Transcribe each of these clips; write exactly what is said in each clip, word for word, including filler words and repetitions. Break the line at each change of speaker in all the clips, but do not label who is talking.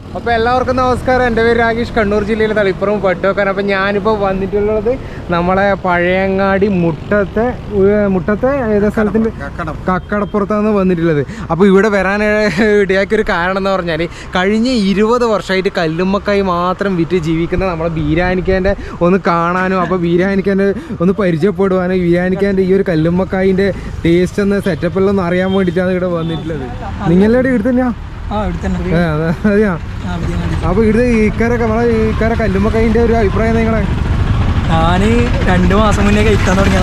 അപ്പോൾ എല്ലാവർക്കും നമസ്കാരം. എൻ്റെ പേര് രാകേഷ്, കണ്ണൂർ ജില്ലയിലെ തളിപ്പുറം പട്ടുവക്കാൻ. അപ്പോൾ ഞാനിപ്പോൾ വന്നിട്ടുള്ളത് നമ്മളെ പഴയങ്ങാടി മുട്ടത്തെ മുട്ടത്തെ ഏതാ സ്ഥലത്തിൻ്റെ കക്കടപ്പുറത്താണ് വന്നിട്ടുള്ളത്. അപ്പോൾ ഇവിടെ വരാൻ ഇടയാക്കിയൊരു കാരണം എന്ന് പറഞ്ഞാൽ കഴിഞ്ഞ ഇരുപത് വർഷമായിട്ട് കല്ലുമ്മക്കായി മാത്രം വിറ്റ് ജീവിക്കുന്ന നമ്മളെ ബീരാനിക്കാൻ്റെ ഒന്ന് കാണാനും അപ്പോൾ ബീരാനിക്കാൻ്റെ ഒന്ന് പരിചയപ്പെടുവാനും ബീരാനിക്കാൻ്റെ ഈ ഒരു കല്ലുമ്മക്കായിൻ്റെ ടേസ്റ്റ് എന്ന സെറ്റപ്പെല്ലാം ഒന്ന് അറിയാൻ വേണ്ടിയിട്ടാണ് ഇവിടെ വന്നിട്ടുള്ളത്. നിങ്ങളുടെ ഇവിടെ തന്നെയാ? അതെയാ. അപ്പൊ ഇവിടെ ഇക്കാരൊക്കെ നമ്മളെ ഇക്കാരെ കല്ലുമ്മക്കായിന്റെ ഒരു അഭിപ്രായം നിങ്ങളെ?
ഞാൻ രണ്ടു മാസം മുന്നേ കഴിക്കാൻ തുടങ്ങിയ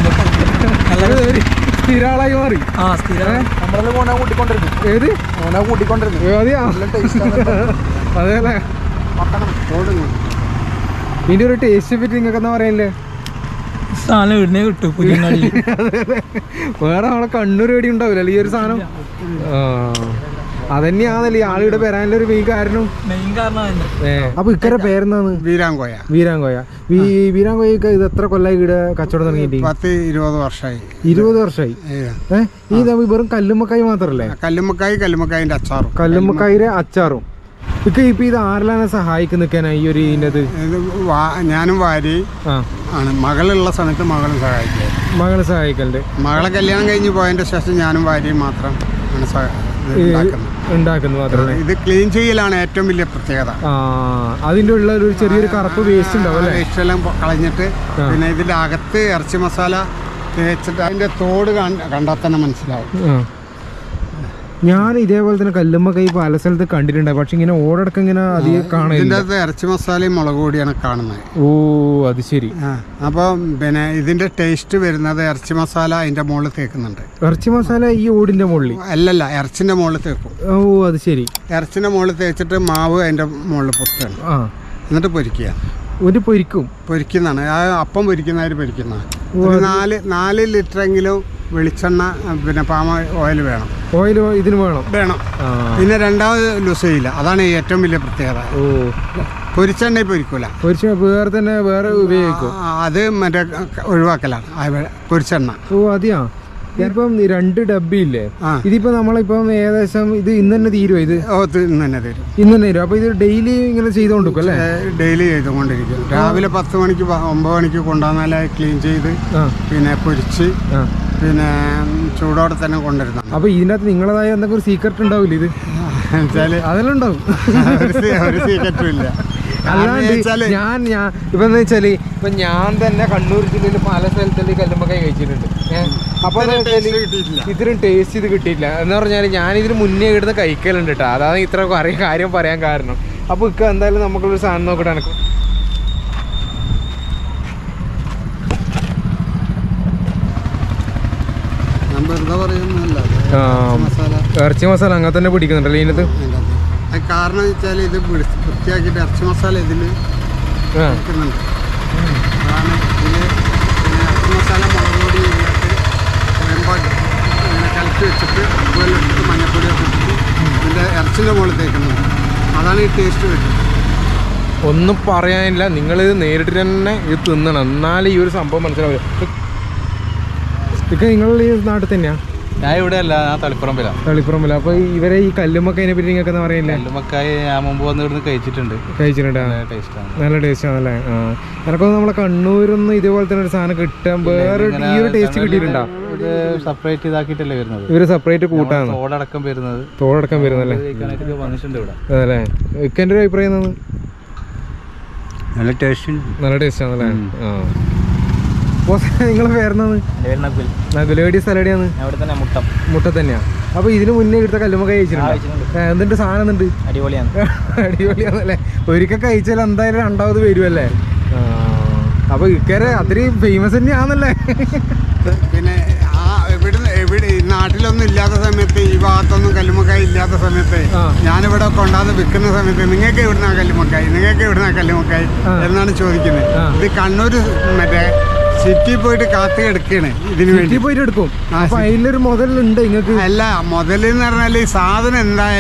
സ്ഥിരാളായി മാറി.
ആ സ്ഥിരം
ഏത് കൂട്ടിക്കൊണ്ടിരുന്നു അതെയാ. അതെല്ലേ. ഇതിന്റെ ഒരു ടേസ്റ്റ് പറ്റി നിങ്ങൾക്ക് എന്താ പറയല്ലേ?
സാധനം ഇടുന്നേ കിട്ടും.
വേറെ നമ്മളെ കണ്ണൂർ വേടി ഉണ്ടാവില്ല ഈ ഒരു സാധനം. അതന്നെയാണല്ലേ ആളുടെ വരാനുള്ള ഒരു മെയിൻ കാരണം.
മെയിൻ കാരണം
അപ്പൊ ഇക്കരെ പേരെന്താണ്?
വീരാങ്കോയ.
വീരാങ്കോയ. വീരാങ്കോയൊക്കെ ഇത് എത്ര കൊല്ലായി ഇവിടെ കച്ചവടം തുടങ്ങിയിട്ട്?
പത്ത് ഇരുപത് വർഷമായി.
ഇരുപത് വർഷമായി. ഏഹ് ഈ വെറും കല്ലുമ്മക്കായി മാത്രല്ലേ?
കല്ലുമ്മക്കായി, കല്ലുമ്മക്കായിന്റെ അച്ചാറും.
കല്ലുമ്മക്കായിന്റെ അച്ചാറും. ഇപ്പൊ ഇപ്പൊ ഇത് ആരെല്ലാം സഹായിക്കുന്ന ഈ ഒരു ഇതിനത്?
ഞാനും ഭാര്യ ആണ്. മകളുള്ള സമയത്ത് മകളും സഹായിക്കുക.
മകളെ സഹായിക്കലുണ്ട്.
മകളെ കല്യാണം കഴിഞ്ഞ് പോയതിന്റെ ശേഷം ഞാനും ഭാര്യയും മാത്രം ആണ്
ഉണ്ടാക്കുന്നത് മാത്രമേ.
ഇത് ക്ലീൻ ചെയ്യലാണ് ഏറ്റവും വലിയ പ്രത്യേകത.
അതിന്റെ ഉള്ള ഒരു ചെറിയൊരു കറുപ്പ് വേസ്റ്റ് ഉണ്ടാവും.
വേസ്റ്റ് എല്ലാം കളഞ്ഞിട്ട് പിന്നെ ഇതിന്റെ അകത്ത് ഇറച്ചി മസാല തേച്ചിട്ട് അതിന്റെ തോട് കണ്ടാൽ തന്നെ മനസ്സിലാവും.
ഞാൻ ഇതേപോലെ തന്നെ കല്ലുമ്മക്കായി പല സ്ഥലത്ത് കണ്ടിട്ടുണ്ട്, പക്ഷെ ഇങ്ങനെ ഓടടക്കം ഇങ്ങനെ അധികം കാണില്ല.
ഇറച്ചി മസാലയും മുളക് പൊടിയാണ് കാണുന്നത്.
ഓ അത് ശരി.
അപ്പൊ പിന്നെ ഇതിന്റെ ടേസ്റ്റ് വരുന്നത് ഇറച്ചി മസാല അതിന്റെ മുകളിൽ തേക്കുന്നുണ്ട്.
ഇറച്ചി മസാല ഈ ഓടിന്റെ മുകളിൽ
അല്ലല്ല, ഇറച്ചിന്റെ മുകളിൽ തേക്കും.
ഓ അത് ശരി.
ഇറച്ചിന്റെ മുകളിൽ തേച്ചിട്ട് മാവ് അതിന്റെ മുകളിൽ പൊത്താണ്. എന്നിട്ട് പൊരിക്കുക.
ഒരു പൊരിക്കും
പൊരിക്കുന്നതാണ്. ആ അപ്പം പൊരിക്കുന്നവര് പൊരിക്കുന്നതാണ്. ഒരു നാല് നാല് ലിറ്ററെങ്കിലും വെളിച്ചെണ്ണ പിന്നെ പാമ ഓയിൽ വേണം.
ഓയിൽ ഇതിന് വേണം
വേണം പിന്നെ രണ്ടാമത് ലൂസ് ചെയ്യില്ല. അതാണ് ഏറ്റവും വലിയ പ്രത്യേകത.
ഓ
പൊരിച്ചെണ്ണ പൊരിക്കൂല.
പൊരിച്ച വേറെ തന്നെ വേറെ ഉപയോഗിക്കും.
അത് മറ്റേ ഒഴിവാക്കലാണ് പൊരിച്ചെണ്ണ.
ഓ അതെയാ. ഇപ്പം രണ്ട് ഡബ്ബില്ലേ, ഇതിപ്പോ നമ്മളിപ്പം ഏകദേശം ഇത് ഇന്ന് തന്നെ തീരുവോ? ഇത്
ഇന്ന് തന്നെ തരും.
ഇന്ന് തന്നെ തരും. അപ്പൊ ഇത് ഡെയിലി ഇങ്ങനെ ചെയ്തോണ്ടിരിക്കും അല്ലേ?
ഡെയിലി ചെയ്തുകൊണ്ടിരിക്കും. രാവിലെ പത്ത് മണിക്ക് ഒമ്പത് മണിക്ക് കൊണ്ടുവന്നാലേ ക്ലീൻ ചെയ്ത് പിന്നെ പൊരിച്ച് പിന്നെ ചൂടോടെ തന്നെ കൊണ്ടുവരുന്നു.
അപ്പൊ ഇതിനകത്ത് നിങ്ങളതായ എന്തെങ്കിലും സീക്രട്ട് ഉണ്ടാവില്ല? ഇത് അതെല്ലാം ഉണ്ടാവും.
ഒരു സീക്രട്ടും ഇല്ല.
അല്ലാണ്ട് ഞാൻ ഞാൻ ഇപ്പൊ എന്താ വെച്ചാല് ഇപ്പൊ ഞാൻ തന്നെ കണ്ണൂർ ജില്ലയിൽ പല സ്ഥലത്തുള്ള കല്ലുമ്മക്കായി കഴിച്ചിട്ടുണ്ട്. അപ്പൊ ഇതിനും ടേസ്റ്റ് ഇത് കിട്ടിയില്ല എന്ന് പറഞ്ഞാല് ഞാൻ ഇതിന് മുന്നേ ഇടുന്ന കഴിക്കലുണ്ട് കേട്ടോ. അതാണ് ഇത്ര അറിയ കാര്യം പറയാൻ കാരണം. അപ്പൊ ഇക്ക എന്തായാലും നമുക്കൊരു സാധനം നോക്കിട്ട് എനക്ക് ഇറച്ചി മസാല അങ്ങനെ തന്നെ പിടിക്കുന്നുണ്ടല്ലോ ഇതിനകത്ത്.
കാരണം വെച്ചാൽ ഇത് വൃത്തിയാക്കിയിട്ട് ഇറച്ചി മസാല ഇതിൽ വെക്കുന്നുണ്ട്. അതാണ് ഇതിൽ പിന്നെ ഇറച്ചി മസാല മുളക് പൊടി ഇങ്ങനെ കലക്കി വെച്ചിട്ട് അതുപോലെ ഇട്ടിട്ട് മഞ്ഞപ്പൊടിയൊക്കെ ഇട്ടിട്ട് ഇതിൻ്റെ ഇറച്ചിൻ്റെ മുകളിൽ തേക്കുന്നുണ്ട്. അതാണ് ഈ ടേസ്റ്റ് വരുന്നത്.
ഒന്നും പറയാനില്ല. നിങ്ങളിത് നേരിട്ട് തന്നെ ഇത് തിന്നണം, എന്നാലും ഈ ഒരു സംഭവം മനസ്സിലാവില്ല. ഇതൊക്കെ നിങ്ങളുടെ ഈ നാട്ടിൽ തന്നെയാണ്?
ഞാൻ ഇവിടെ അല്ല, ഞാൻ തളിപ്പുറമ്പില.
തളിപ്പുറമ്പില. അപ്പൊ ഇവരെ ഈ കല്ലുമ്മക്കായിനെ പറ്റി നിങ്ങൾക്ക് എന്താ പറയില്ല?
കല്ലുമ്മക്കായി ഞാൻ മുമ്പ് വന്ന് ഇവിടുന്ന് കഴിച്ചിട്ടുണ്ട്.
കഴിച്ചിട്ടുണ്ട്. നല്ല ടേസ്റ്റ് ആണല്ലേ. ആ എനക്കൊന്നും നമ്മളെ കണ്ണൂരൊന്നും ഇതുപോലെ തന്നെ ഒരു സാധനം കിട്ടാൻ വേറെ ഈ ഒരു ടേസ്റ്റ് കിട്ടിയിട്ടുണ്ടോ?
സെപ്പറേറ്റ് ഇതാക്കിയിട്ടല്ലേ വരുന്നത്.
ഇവര് സെപ്പറേറ്റ് കൂട്ടാണ്
തോടടക്കം വരുന്നത്.
തോടടക്കം വരുന്നല്ലേ.
വന്നിട്ടുണ്ട് ഇവിടെ.
അതല്ലേ. ഇക്കെന്റെ ഒരു അഭിപ്രായം എന്താണ്?
നല്ല ടേസ്റ്റ്
നല്ല ടേസ്റ്റ് ആണല്ലേ. ആ നിങ്ങളെ പേരെന്നാണ്? നകുലേടി സ്ഥലടിയാണ്. മുട്ട തന്നെയാ. അപ്പൊ ഇതിന് മുന്നേ ഇവിടുത്തെ കല്ലുമ്മക്കായി കഴിച്ചിട്ടുണ്ട്. എന്തിന്റെ സാധനം എന്തുണ്ട്?
അടിപൊളിയാണ്.
അടിപൊളിയാണല്ലേ. ഒരിക്കൽ കഴിച്ചാൽ എന്തായാലും രണ്ടാമത് വരുമല്ലേ. അപ്പൊ ഇക്കരെ അത്രയും ഫേമസ് തന്നെയാണല്ലേ.
പിന്നെ ആ എവിടെ എവിടെ നാട്ടിലൊന്നും ഇല്ലാത്ത സമയത്ത്, ഈ ഭാഗത്തൊന്നും കല്ലുമ്മക്കായി ഇല്ലാത്ത സമയത്ത് ഞാനിവിടെ കൊണ്ടാന്ന് വിൽക്കുന്ന സമയത്ത് നിങ്ങൾക്ക് എവിടുന്നാ കല്ലുമ്മക്കായി, നിങ്ങൾക്ക് എവിടുന്നാ കല്ലുമ്മക്കായി എന്നാണ് ചോദിക്കുന്നത്. ഇത് കണ്ണൂർ മറ്റേ സിറ്റി പോയിട്ട് കാത്തു കിടക്കാണ് ഇതിന് വേണ്ടി.
പോയിട്ട് എടുക്കും. അപ്പൊ അതിലൊരു മുതലുണ്ട് നിങ്ങൾക്ക്?
അല്ല, മുതലെന്ന് പറഞ്ഞാൽ ഈ സാധനം എന്തായാലും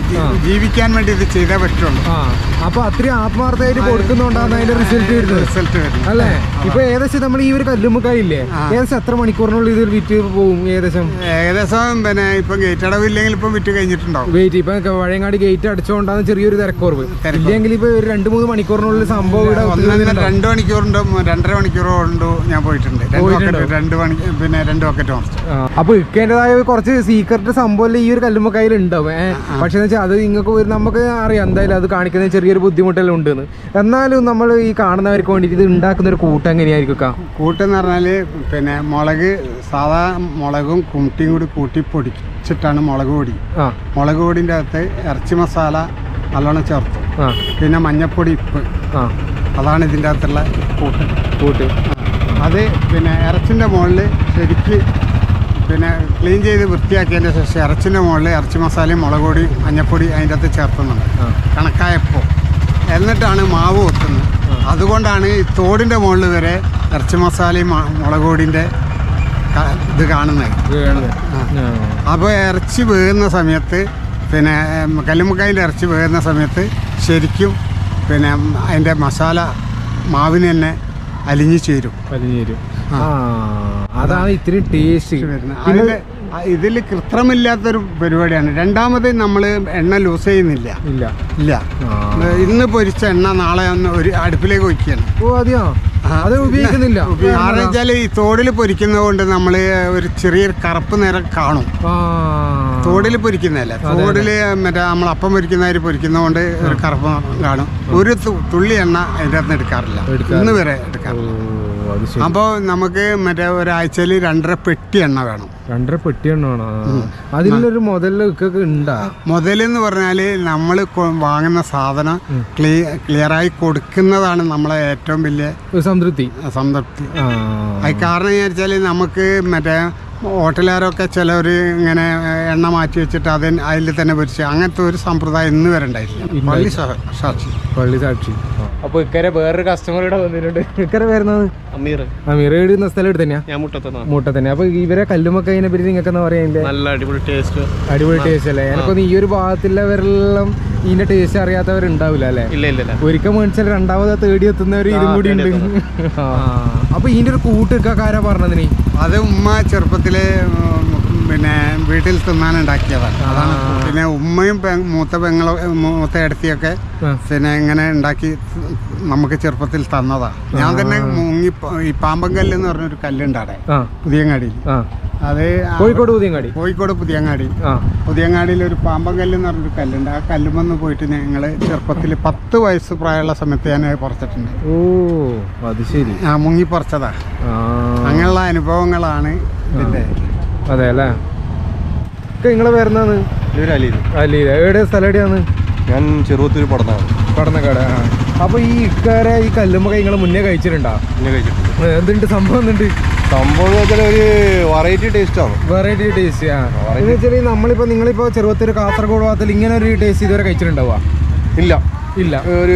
ജീവിക്കാൻ വേണ്ടി ഇത് ചെയ്തേ പറ്റുള്ളൂ.
ആ അപ്പൊ അത്രയും ആത്മാർത്ഥമായിട്ട് കൊടുക്കുന്നുണ്ടാണ് അതിന്റെ റിസൾട്ട് വരുന്നത്.
റിസൾട്ട് വരുന്നത്
അല്ലേ? ഇപ്പൊ ഏകദേശം നമ്മൾ ഈ ഒരു കല്ലുമ്മക്കായി ഇല്ലേ, ഏകദേശം എത്ര മണിക്കൂറിനുള്ളിൽ ഇത് വിറ്റ് പോകും? ഏകദേശം
ഏകദേശം പിന്നെ ഇപ്പൊ ഗേറ്റ് അടവില്ലെങ്കിൽ ഇപ്പം വിറ്റ് കഴിഞ്ഞിട്ടുണ്ടാവും.
വെയിറ്റ് ഇപ്പൊ പഴയങ്ങാടി ഗേറ്റ് അടിച്ചുകൊണ്ടാണ് ചെറിയൊരു തിരക്കുറവ്. ഇല്ലെങ്കിൽ ഇപ്പൊ ഒരു രണ്ട് മൂന്ന് മണിക്കൂറിനുള്ളിൽ സംഭവം ഇവിടെ
രണ്ട് മണിക്കൂറുണ്ടോ രണ്ടര മണിക്കൂറോ ഉണ്ടോ ഞാൻ പോയിട്ടുണ്ട്. രണ്ട് മണി പിന്നെ രണ്ട് ബക്കറ്റ് മറിച്ചു.
അപ്പൊ ഇക്കേണ്ടതായ കുറച്ച് സീക്രട്ട് സംഭവം ഈ ഒരു കല്ലുമ്മക്കായിൽ ഉണ്ടാവും. ഏഹ് പക്ഷെ വെച്ചാൽ അത് നിങ്ങൾക്ക് നമുക്ക് അറിയാം എന്തായാലും അത് കാണിക്കുന്ന ചെറിയൊരു ബുദ്ധിമുട്ടെല്ലാം ഉണ്ടെന്ന്. എന്നാലും നമ്മൾ ഈ കാണുന്നവർക്ക് വേണ്ടിയിട്ട് ഇത് ഉണ്ടാക്കുന്ന ഒരു കൂട്ടം എങ്ങനെയായിരിക്കും?
കൂട്ടെന്ന് പറഞ്ഞാല് പിന്നെ മുളക് സാധാ മുളകും കുട്ടിയും കൂടി കൂട്ടി പൊടിച്ചിട്ടാണ് മുളക് പൊടി. മുളക് പൊടിൻ്റെ അകത്ത് ഇറച്ചി മസാല നല്ലോണം ചേർത്തു, പിന്നെ മഞ്ഞപ്പൊടി, ഉപ്പ്, അതാണ് ഇതിൻ്റെ അകത്തുള്ള കൂട്ട് കൂട്ട് അത് പിന്നെ ഇറച്ചിൻ്റെ മുകളിൽ ശരിക്ക് പിന്നെ ക്ലീൻ ചെയ്ത് വൃത്തിയാക്കിയതിൻ്റെ ശേഷം ഇറച്ചിൻ്റെ മുകളിൽ ഇറച്ചി മസാലയും മുളക് പൊടി മഞ്ഞപ്പൊടി അതിൻ്റെ അകത്ത് ചേർത്തുന്നുണ്ട് കണക്കായപ്പോൾ. എന്നിട്ടാണ് മാവ് വെക്കുന്നത്. അതുകൊണ്ടാണ് ഈ തോടിൻ്റെ മുകളിൽ വരെ ഇറച്ചി മസാലയും മുളക് പൊടിൻ്റെ ഇത് കാണുന്നത്. അപ്പോൾ ഇറച്ചി വേകുന്ന സമയത്ത് പിന്നെ കല്ലുമ്മക്കായിൻ്റെ ഇറച്ചി വേകുന്ന സമയത്ത് ശരിക്കും പിന്നെ അതിൻ്റെ മസാല മാവിന് തന്നെ അലിഞ്ഞു ചേരും.
അലിഞ്ഞു ചേരും. അതാണ് ഇത്തിരി ടേസ്റ്റ്
വരുന്നത്. ഇതിൽ കൃത്രിമില്ലാത്തൊരു പരിപാടിയാണ്. രണ്ടാമത് നമ്മൾ എണ്ണ ലൂസ് ചെയ്യുന്നില്ല. ഇല്ല ഇല്ല ഇന്ന് പൊരിച്ച എണ്ണ നാളെ ഒന്ന് ഒരു അടുപ്പിലേക്ക് വയ്ക്കുകയാണ്.
ഓ അതെയോ? അത് ഉപയോഗിക്കുന്നില്ല.
കാരണം വെച്ചാൽ ഈ തോടിൽ പൊരിക്കുന്നത് കൊണ്ട് നമ്മൾ ഒരു ചെറിയൊരു കറുപ്പ് നിറം കാണും. തോടിൽ പൊരിക്കുന്നതല്ല, തോടിൽ മറ്റേ നമ്മൾ അപ്പം പൊരിക്കുന്നവർ പൊരിക്കുന്നത് കൊണ്ട് ഒരു കറുപ്പ് കാണും. ഒരു തുള്ളി എണ്ണ അതിൻ്റെ അകത്ത് എടുക്കാറില്ല, ഇന്ന് വരെ എടുക്കാറില്ല. അപ്പോൾ നമുക്ക് മറ്റേ ഒരാഴ്ചയിൽ രണ്ടര പെട്ടി എണ്ണ വേണം.
രണ്ടര പെട്ടി എണ്ണ വേണം. അതിലൊരു മുതലൊക്കെ ഉണ്ടാ.
മുതലെന്ന് പറഞ്ഞാൽ നമ്മൾ വാങ്ങുന്ന സാധനം ക്ലിയറായി കൊടുക്കുന്നതാണ് നമ്മളെ ഏറ്റവും വലിയ സംതൃപ്തി സംതൃപ്തി അത് കാരണം വിചാരിച്ചാൽ നമുക്ക് മറ്റേ ഹോട്ടലുകാരൊക്കെ ചിലവർ ഇങ്ങനെ എണ്ണ മാറ്റി വെച്ചിട്ട് അത് അതിൽ തന്നെ പൊരിച്ച് അങ്ങനത്തെ ഒരു സമ്പ്രദായം ഇന്ന് വരെ ഉണ്ടായിട്ടില്ല. പള്ളി സാക്ഷി
പള്ളി സാക്ഷി. അപ്പൊ ഇക്കരെ വേറൊരു കസ്റ്റമർ ഇവിടെ വന്നിട്ടുണ്ട്. ഇക്കരെ വരുന്നത് അമീർ. അമീർ എഴുതുന്ന സ്ഥലം എടുത്ത് തന്നെയാ? മുട്ട തന്നെ. അപ്പൊ ഇവരെ കല്ലുമ്മക്കൈനെ പറ്റി നിങ്ങൾക്ക് എന്താ പറയാ?
നല്ല അടിപൊളി ടേസ്റ്റ്.
അടിപൊളി ടേസ്റ്റ് അല്ലേ? എനിക്കൊന്ന് ഈ ഒരു ഭാഗത്തുള്ളവരെല്ലാം ഇതിന്റെ ടേസ്റ്റ് അറിയാത്തവരുണ്ടാവില്ല അല്ലേ?
ഇല്ല ഇല്ല.
ഒരിക്കൽ മേടിച്ചാൽ രണ്ടാമത് തേടി എത്തുന്നവർ ഇതും കൂടി ഉണ്ട്. അപ്പൊ ഇതിന്റെ ഒരു കൂട്ടുകാരാ പറഞ്ഞതിന്?
അത് ഉമ്മ ചെറുപ്പത്തില് പിന്നെ വീട്ടിൽ തിന്നാൻ ഉണ്ടാക്കിയതാണ്. അതാണ് പിന്നെ ഉമ്മയും മൂത്ത പെങ്ങളോ മൂത്ത ഇടത്തിയൊക്കെ പിന്നെ ഇങ്ങനെ ഉണ്ടാക്കി നമുക്ക് ചെറുപ്പത്തിൽ തന്നതാ. ഞാൻ തന്നെ മുങ്ങി ഈ പാമ്പങ്കല്ല് എന്ന് പറഞ്ഞൊരു കല്ലുണ്ട് അവിടെ പുതിയങ്ങാടിയിൽ. അത്
കോഴിക്കോട് പുതിയങ്ങാടി.
കോഴിക്കോട് പുതിയങ്ങാടി പുതിയങ്ങാടിയിൽ ഒരു പാമ്പങ്കല്ല് എന്ന് പറഞ്ഞൊരു കല്ലുണ്ട്. ആ കല്ലുമെന്ന് പോയിട്ട് ഞങ്ങൾ ചെറുപ്പത്തിൽ പത്ത് വയസ്സ് പ്രായമുള്ള സമയത്ത് ഞാൻ പറിച്ചിട്ടുണ്ട്.
ഓ അത് ശരി.
ആ മുങ്ങി പറിച്ചതാ. അങ്ങനെയുള്ള അനുഭവങ്ങളാണ് ഇതിന്റെ.
അതെ അല്ലേ? നിങ്ങളെ പേരെന്താണ്? അലീല. എവിടെ സ്ഥലം എവിടെയാണ്?
ഞാൻ ചെറുപ്പത്തിൽ പടന്നാണ്.
പടന്നക്കാട്. ആ അപ്പൊ ഈ ഇക്കാരെ ഈ കല്ലുമ്മ നിങ്ങൾ മുന്നേ കഴിച്ചിട്ടുണ്ടോ?
മുന്നേ കഴിച്ചിട്ടുണ്ട്.
എന്തുണ്ട് സംഭവം? എന്തുണ്ട്
സംഭവം എന്ന് വെച്ചാൽ ഒരു വെറൈറ്റി ടേസ്റ്റ് ആണ്.
Variety taste. ആ എന്ന് വെച്ചാൽ നമ്മളിപ്പോ നിങ്ങളിപ്പോ ചെറുപ്പത്തിൽ കാസർഗോഡ് ഭാഗത്തിൽ ഇങ്ങനെ ഒരു ടേസ്റ്റ് ഇതുവരെ കഴിച്ചിട്ടുണ്ടാവുക?
ഇല്ല
ഇല്ല.
ഒരു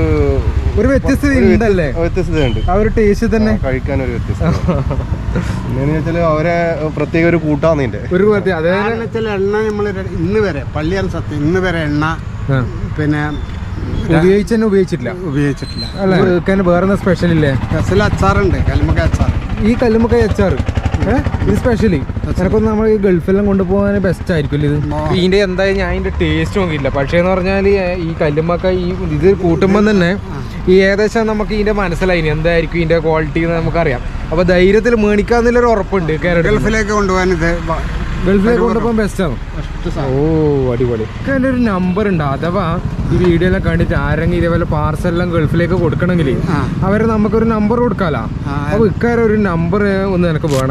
ഒരു വ്യത്യസ്തത ഉണ്ടല്ലേ?
വ്യത്യസ്തതയുണ്ട്.
ആ ഒരു ടേസ്റ്റ് തന്നെ
കഴിക്കാൻ ഒരു വ്യത്യസ്തത. എന്നു വെച്ചാൽ അവരെ പ്രത്യേക ഒരു കൂട്ടാണ് ഇതിന്റെ
ഒരു അതേപോലെ എണ്ണ നമ്മൾ ഇന്ന് വരെ പള്ളിയാണ് സത്യം ഇന്ന് വരെ എണ്ണ പിന്നെ
ഉപയോഗിച്ച് തന്നെ ഉപയോഗിച്ചിട്ടില്ല
ഉപയോഗിച്ചിട്ടില്ല
അല്ലേ? വേറെ സ്പെഷ്യൽ ഇല്ലേ?
സ്പെഷ്യൽ അച്ചാറുണ്ട്, കല്ലുമ്മക്കായ അച്ചാർ.
ഈ കല്ലുമ്മക്കായ അച്ചാർ ഇത് സ്പെഷ്യലി എനക്കൊന്ന് നമ്മൾ ഈ ഗൾഫെല്ലാം കൊണ്ടുപോകാൻ ബെസ്റ്റ് ആയിരിക്കും ഇത്. ഇതിന്റെ എന്തായാലും ഞാൻ ഇതിന്റെ ടേസ്റ്റ് നോക്കിയില്ല. പക്ഷേ എന്ന് പറഞ്ഞാൽ ഈ കല്ലുമ്മക്കായ ഈ ഇത് കൂട്ടുമ്പോൾ തന്നെ ഈ ഏകദേശം നമുക്ക് ഇതിന്റെ മനസ്സിലായി എന്തായിരിക്കും ഇതിന്റെ ക്വാളിറ്റി എന്ന് നമുക്കറിയാം. അപ്പൊ ധൈര്യത്തിൽ മേടിക്കാന്നുള്ളൊരു ഉറപ്പുണ്ട്.
ഗൾഫിലേക്ക് കൊണ്ടുപോകാൻ ഇത്
ഗൾഫിലേക്ക് കൊണ്ടുപോകാൻ ബെസ്റ്റാണ്. ഓ അടിപൊളി. എൻ്റെ ഒരു നമ്പർ ഉണ്ട്. അഥവാ ഈ വീഡിയോ എല്ലാം കണ്ടിട്ട് ആരെങ്കിലും ഇതേപോലെ പാർസലെല്ലാം ഗൾഫിലേക്ക് കൊടുക്കണമെങ്കിൽ അവരെ നമുക്കൊരു നമ്പർ കൊടുക്കാലോ. അപ്പൊ ഇക്കാരെ ഒരു നമ്പർ ഒന്ന് എനിക്ക് വേണം.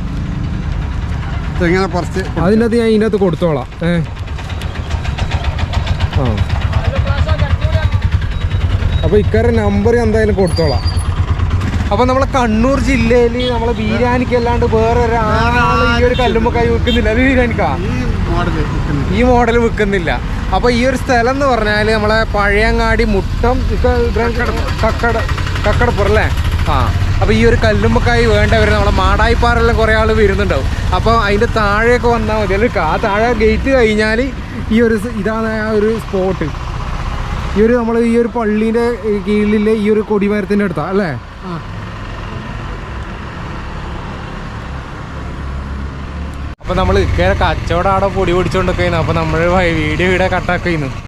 അതിനകത്ത് ഞാൻ ഇതിനകത്ത് കൊടുത്തോളാം. ഏഹ് ആ അപ്പൊ ഇക്കാരെ നമ്പർ എന്തായാലും കൊടുത്തോളാം. അപ്പൊ നമ്മളെ കണ്ണൂർ ജില്ലയിൽ നമ്മളെ ബിരിയാണിക്ക് അല്ലാണ്ട് വേറെ ഒരാൾ ഈ ഒരു കല്ലുമ്മക്കായ വിൽക്കുന്നില്ല. അത് ബിരിയാണിക്കാ ഈ മോഡൽ വിൽക്കുന്നില്ല. അപ്പൊ ഈ ഒരു സ്ഥലം എന്ന് പറഞ്ഞാൽ നമ്മളെ പഴയങ്ങാടി മുട്ടം കക്കട കക്കടപ്പുറം അല്ലേ? ആ അപ്പോൾ ഈ ഒരു കല്ലുമ്മക്കായി വേണ്ടവർ നമ്മളെ മാടായിപ്പാറെല്ലാം കുറേ ആൾ വരുന്നുണ്ടാവും. അപ്പോൾ അതിൻ്റെ താഴെയൊക്കെ വന്നാൽ മതി. അല്ലെങ്കിൽ ആ താഴെ ഗേറ്റ് കഴിഞ്ഞാൽ ഈ ഒരു ഇതാണ് ആ ഒരു സ്പോട്ട്. ഈ ഒരു നമ്മൾ ഈ ഒരു പള്ളീൻ്റെ കീഴിലെ ഈ ഒരു കൊടിമരത്തിൻ്റെ അടുത്താണ് അല്ലേ? അപ്പോൾ നമ്മൾ കച്ചവടം അവിടെ പൊടി പൊടിച്ചുകൊണ്ടൊക്കെ. അപ്പോൾ നമ്മൾ വീഡിയോ ഇവിടെ കട്ടാക്കുന്നു.